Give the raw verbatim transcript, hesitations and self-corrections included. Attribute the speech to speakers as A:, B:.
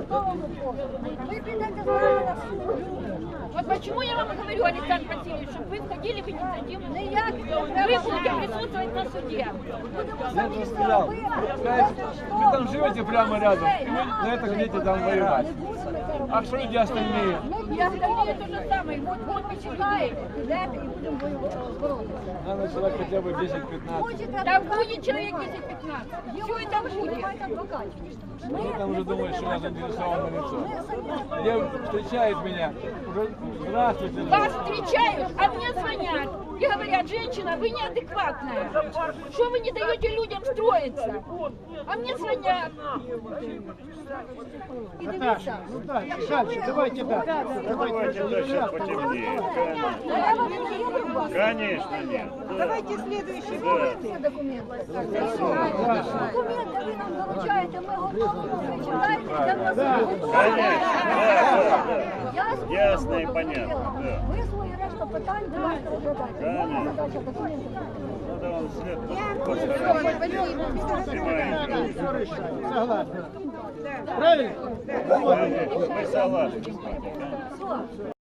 A: Вы придете на суд.
B: Вот почему я вам говорю, Александр Васильевич, чтобы вы входили в инициативу.
A: Ніяк
B: Вы будете присутствовать на суде.
C: Я же сказал, знаете, вы там живете прямо рядом, и вы на это хотите там воевать. А что люди остальные?
B: Я остальные то же самое. Вот, вот почитаете.
A: Підете і будемо боротися.
C: Надо человек хотя бы десять-пятнадцать.
B: Там будет человек десять-пятнадцать. Все это будет.
C: Они там уже думают, что я заинтересован на лицо. Девушка встречает меня, уже здравствуйте.
B: Вас встречают, а мне звонят и говорят: женщина, вы неадекватная. Что вы не даете людям строиться? А мне звонят.
A: І дивіться,
D: Дальше, давайте дальше.
E: Давайте дальше потемнее. Конечно, нет.
A: давайте следующий пункт. Документи. Документи ви нам залучаєте, ми готові, ви читаєте, йдемо на суд. Я свою
E: Ясно і
A: роботу
E: понятно,
A: зробила.
E: да.
A: Ви свої решта питань давайте розглядайте. Моя задача документи.
E: Надо вам след постараться.
D: Все решать. Согласен. Правильно?
E: Мы согласны.